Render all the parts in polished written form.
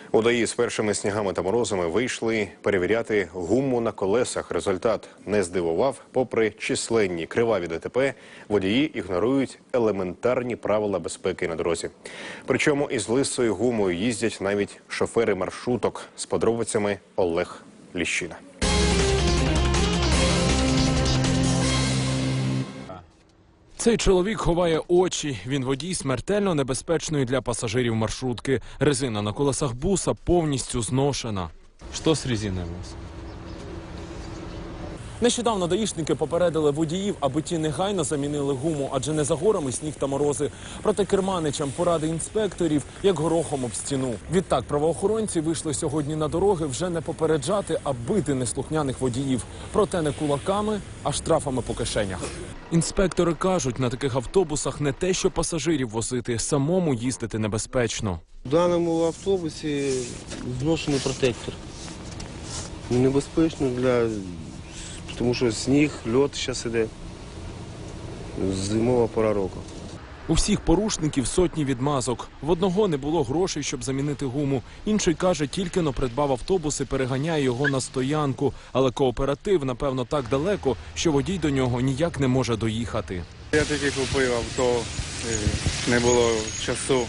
Водії з першими снігами та морозами вийшли перевіряти гуму на колесах. Результат не здивував. Попри численні криваві ДТП, водії ігнорують елементарні правила безпеки на дорозі. Причому із лисою гумою їздять навіть шофери маршруток. З подробицями Олег Ліщина. Цей чоловік ховає очі. Він водій смертельно небезпечної для пасажирів маршрутки. Резина на колесах буса повністю зношена. Что с резиной у вас? Нещодавно даїшники попередили водіїв, аби ті негайно замінили гуму, адже не за горами сніг та морози. Проте керманичам поради інспекторів, як горохом об стіну. Відтак правоохоронці вийшли сьогодні на дороги вже не попереджати, а бити неслухняних водіїв. Проте не кулаками, а штрафами по кишенях. Інспектори кажуть, на таких автобусах не те, що пасажирів возити, самому їздити небезпечно. В даному автобусі зношений протектор. Небезпечно тому що сніг, льод зараз іде. Зимова пора року. У всіх порушників сотні відмазок. В одного не було грошей, щоб замінити гуму. Інший каже, тільки-но придбав автобус і переганяє його на стоянку. Але кооператив, напевно, так далеко, що водій до нього ніяк не може доїхати. Я тільки купив авто, не було часу.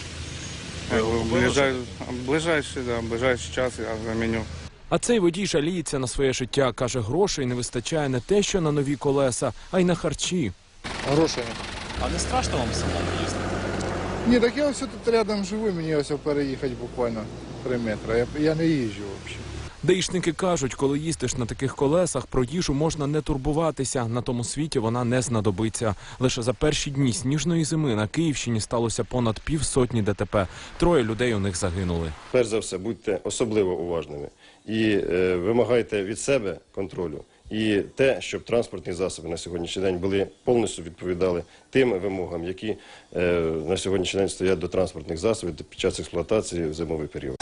Ближайший час я заміню. А цей водій жаліється на своє життя. Каже, грошей не вистачає не те, що на нові колеса, а й на харчі. Грошей. А не страшно вам самому їздити? Ні, так я ось тут рядом живу, мені ось переїхати буквально 3 метри. Я не їжджу взагалі. Даїшники кажуть, коли їздиш на таких колесах, про їжу можна не турбуватися. На тому світі вона не знадобиться. Лише за перші дні сніжної зими на Київщині сталося понад 50 ДТП. 3 людей у них загинули. Перш за все, будьте особливо уважними і вимагайте від себе контролю. І те, щоб транспортні засоби на сьогоднішній день повністю відповідали тим вимогам, які на сьогоднішній день стоять до транспортних засобів під час експлуатації в зимовий період.